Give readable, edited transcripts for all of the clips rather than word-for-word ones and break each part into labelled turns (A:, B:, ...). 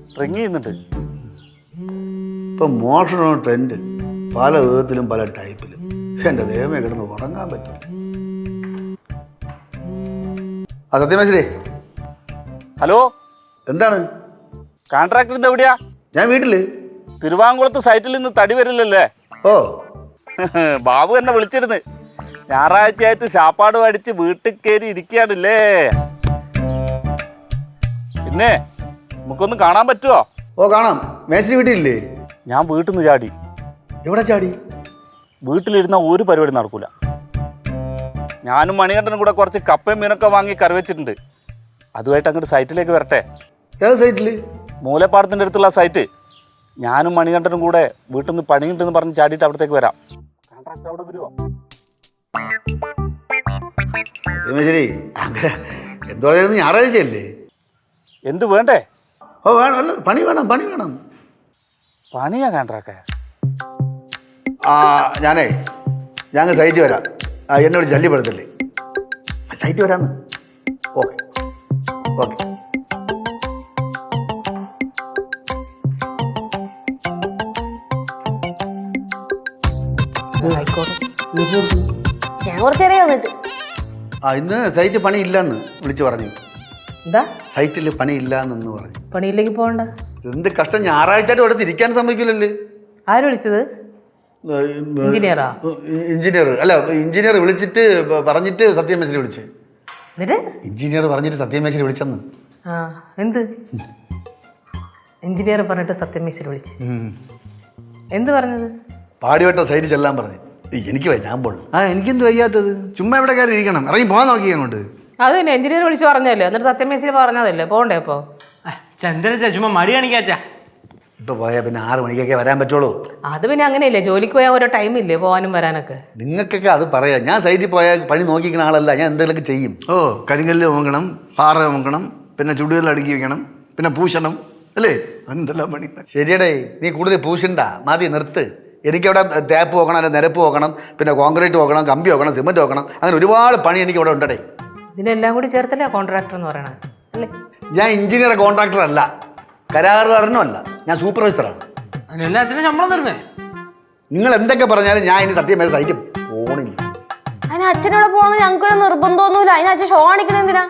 A: Ring ചെയ്യുന്നുണ്ട്.
B: ഇപ്പം മോഷണ ട്രെൻഡ് പല വിധത്തിലും പല ടൈപ്പിലും. എൻ്റെ ദൈവമേ കിടന്ന് ഉറങ്ങാൻ പറ്റും. ആ സത്യമേശ്വരേ,
A: ഹലോ,
B: എന്താണ്?
A: കോൺട്രാക്ടറിന്റെ എവിടെയാ?
B: ഞാൻ വീട്ടില്.
A: തിരുവാങ്കുളത്ത് സൈറ്റിൽ നിന്ന് തടി വരില്ലല്ലേ?
B: ഓ,
A: ബാബു എന്നെ വിളിച്ചിരുന്നു. ഞായറാഴ്ചയായിട്ട് ശാപ്പാട് അടിച്ച് വീട്ടിൽ കയറി ഇരിക്കുകയാണല്ലേ. പിന്നെ നമുക്കൊന്ന് കാണാൻ പറ്റുമോ?
B: ഓ കാണാം. മേശ്ശേരി വീട്ടിലില്ലേ?
A: ഞാൻ വീട്ടിൽ നിന്ന് ചാടി.
B: എവിടെ ചാടി?
A: വീട്ടിലിരുന്ന ഒരു പരിപാടി നടക്കൂല. ഞാനും മണികണ്ഠനും കൂടെ കുറച്ച് കപ്പയും മീനൊക്കെ വാങ്ങി കറി വെച്ചിട്ടുണ്ട്. അതുമായിട്ട് അങ്ങോട്ട് സൈറ്റിലേക്ക് വരട്ടെ.
B: ഏത് സൈറ്റില്?
A: മൂലപ്പാടത്തിൻ്റെ അടുത്തുള്ള സൈറ്റ്. ഞാനും മണികണ്ഠനും കൂടെ വീട്ടിൽ നിന്ന് പണിയുണ്ടെന്ന് പറഞ്ഞ് ചാടിയിട്ട് അവിടത്തേക്ക് വരാം. കോൺട്രാക്ട് അവിടെ വരുമോ?
B: സത്യമേശ്വരി, അങ്ങനെ എന്ത് പറയുന്നത്? ഞായറാഴ്ചയല്ലേ?
A: എന്ത് വേണ്ടേ?
B: ഓ വേണം, അല്ല പണി വേണം, പണി വേണം.
A: പണിയാ കോൺട്രാക്ടേ?
B: ഞാനേ ഞങ്ങൾ സൈറ്റ് വരാം. എന്നോട് ശല്യപ്പെടുത്തല്ലേ. സൈറ്റ് വരാന്ന്. Okay okay.
C: ഞാൻ കുറച്ചേറെ വന്നിട്ട്.
B: ഇന്ന് സൈറ്റ് പണി ഇല്ലെന്ന് വിളിച്ചു പറഞ്ഞു.
C: എന്താ
B: സൈറ്റിൽ പണി ഇല്ലാന്ന് പറഞ്ഞു.
C: പണിയിലേക്ക് പോകണ്ട.
B: എന്ത് കഷ്ടം, ഞായറാഴ്ചയായിട്ട് ഇവിടെ തിരിക്കാൻ സമ്മതിക്കില്ലല്ലേ.
C: ആര് വിളിച്ചത്? എഞ്ചിനീയറാ?
B: എഞ്ചിനീയർ അല്ല, എഞ്ചിനീയർ വിളിച്ചിട്ട് പറഞ്ഞിട്ട് സത്യമേശ്വരി വിളിച്ച്.
C: എന്നിട്ട്
B: എഞ്ചിനീയർ പറഞ്ഞിട്ട് സത്യമേശ്വരി വിളിച്ചെന്ന്.
C: എന്ത് എഞ്ചിനീയർ പറഞ്ഞിട്ട് സത്യമേശ്വരി വിളിച്ച്? എന്ത് പറഞ്ഞത്?
B: പാടിവട്ട സൈറ്റ് ചെല്ലാൻ പറഞ്ഞു. എനിക്ക് വയ്യ, ഞാൻ പോണു.
D: എനിക്കെന്ത് വയ്യാത്തത്? ചുമ്മാ ഇവിടെ കയറി ഇരിക്കണം. ഇറങ്ങി പോകാൻ നോക്കി അങ്ങോട്ട്.
C: അത് തന്നെ എഞ്ചിനീയർ വിളിച്ച് പറഞ്ഞല്ലേ, എന്നിട്ട് സത്യമേശ്വരി പറഞ്ഞതല്ലേ പോണ്ടേ? അപ്പോ
E: ചന്ദ്രച്ച ചുമ്മാ മടി കാണിക്കാച്ചാ.
B: ഇപ്പൊ പോയാൽ പിന്നെ 6 മണിക്കൊക്കെ വരാൻ പറ്റുള്ളൂ.
C: അത് പിന്നെ അങ്ങനെയല്ലേ, ജോലിക്ക് പോയാൽ ഓരോ ടൈമില്ലേ പോകാനും വരാനൊക്കെ.
B: നിങ്ങൾക്കൊക്കെ അത് പറയാം. ഞാൻ സൈറ്റിൽ പോയാൽ പണി നോക്കിക്കുന്ന ആളല്ല. ഞാൻ എന്തെങ്കിലുമൊക്കെ ചെയ്യും.
D: ഓ, കരിങ്കല്ല് നോക്കണം, പാറ നോക്കണം, പിന്നെ ചുടുകല്ല് അടുക്കി വെക്കണം, പിന്നെ പൂശണം, അല്ലേ? എന്തെല്ലാം പണി.
B: ശരിയടേ, നീ കൂടുതൽ പൂശണ്ട, മതി, നിർത്ത്. എനിക്കവിടെ തേപ്പ് നോക്കണം, അല്ലെ നിരപ്പ് നോക്കണം, പിന്നെ കോൺക്രീറ്റ് നോക്കണം, കമ്പി നോക്കണം, സിമെന്റ് നോക്കണം. അങ്ങനെ ഒരുപാട് പണി എനിക്ക് ഇവിടെ ഉണ്ടടേ.
C: ഇതിനെല്ലാം കൂടി ചേർത്തല്ലേ കോൺട്രാക്ടർ എന്ന് പറയണത് അല്ലേ?
B: ഞാൻ എഞ്ചിനീയർ കോൺട്രാക്ടർ അല്ല, കരാറുകാരനും അല്ല, ഞാൻ സൂപ്പർവൈസറാണ്.
E: എല്ലാത്തിനും ശമ്പളം തരുന്നേ.
B: നിങ്ങൾ എന്തൊക്കെ പറഞ്ഞാലും ഞാൻ ഇനി സത്യം സൈറ്റ് പോണില്ല.
F: അതിന് അച്ഛനോടെ പോകണമെന്ന് ഞങ്ങൾക്കൊരു നിർബന്ധമൊന്നുമില്ല. അതിന് അച്ഛൻ ഷോ കാണിക്കണ എന്തിനാ?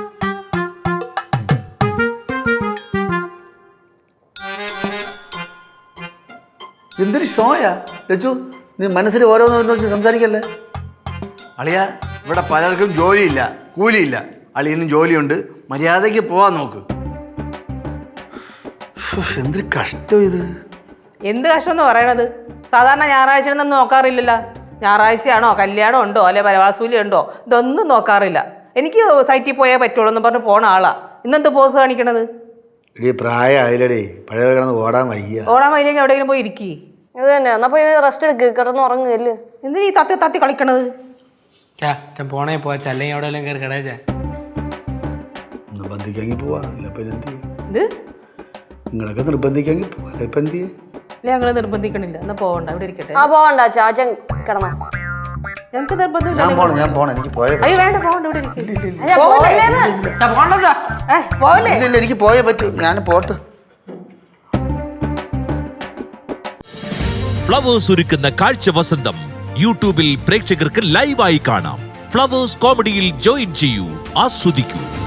B: എന്തൊരു ഷോയാ ലച്ചു, നീ മനസ്സിൽ ഓരോന്ന് സംസാരിക്കല്ലേ.
D: അളിയ, ഇവിടെ പലർക്കും ജോലിയില്ല, കൂലിയില്ല. അളിയനും ജോലിയുണ്ട്, മര്യാദയ്ക്ക് പോവാൻ നോക്ക്.
B: എന്തൊരു കഷ്ടം ഇത്.
C: എന്ത് കഷ്ടം എന്ന് പറയണത്? സാധാരണ ഞായറാഴ്ച ഒന്നും നോക്കാറില്ലല്ലോ. ഞായറാഴ്ചയാണോ, കല്യാണം ഉണ്ടോ, അല്ലെ പരവാസൂലി ഉണ്ടോ, ഇതൊന്നും നോക്കാറില്ല. എനിക്ക് സൈറ്റിൽ പോയാൽ പറ്റുള്ളൂ എന്ന് പറഞ്ഞ് പോണ ആളാ. ഇന്നെന്ത് പോസ് കാണിക്കണത്?
B: ഇടീ പ്രായമായില്ലടേ, പഴയ കിടന്ന് ഓടാൻ വയ്യ.
C: ഓടാൻ വയ്യെങ്കിൽ എവിടെയെങ്കിലും പോയി ഇരിക്കി.
F: ഇത് തന്നെ, എന്നാ പോയി റെസ്റ്റ് എടുക്ക്, കിടന്ന് ഉറങ്ങുകയല്ലേ.
C: എന്തിനാ ഈ തത്തി തത്തി കളിക്കണത്?
E: പോണേ പോവാ, അല്ലെങ്കിൽ അവിടെ വല്ലതും കയറി കിടച്ചാ.
B: നിർബന്ധിക്കാമെങ്കിൽ പോവാ, ഇല്ല ഇപ്പം എന്ത് ചെയ്യും?
C: ഇത്
B: നിങ്ങളൊക്കെ നിർബന്ധിക്കാമെങ്കിൽ പോവാ, അല്ല ഇപ്പം എന്ത് ചെയ്യും?
C: അല്ലെ ഞങ്ങള് നിർബന്ധിക്കണില്ല, എന്നാ പോകണ്ട, ഇവിടെ ഇരിക്കട്ടെ.
F: പോകണ്ട അച്ഛാ, അച്ഛൻ കിടന്ന.
C: ഞങ്ങക്ക് നിർബന്ധമില്ല.
B: ഞാൻ പോണം, എനിക്ക് പോയ.
C: അയ്യോ വേണ്ട, പോകണ്ട, ഇവിടെ ഇരിക്കും. പോവല്ലേ?
B: ഇല്ല, എനിക്ക് പോയേ പറ്റൂ, ഞാൻ പോട്ട്.
G: ഫ്ലവേഴ്സ് ഒരുക്കുന്ന കാഴ്ച വസന്തം യൂട്യൂബിൽ പ്രേക്ഷകർക്ക് ലൈവായി കാണാം. ഫ്ലവേഴ്സ് കോമഡിയിൽ ജോയിൻ ചെയ്യൂ, ആസ്വദിക്കൂ.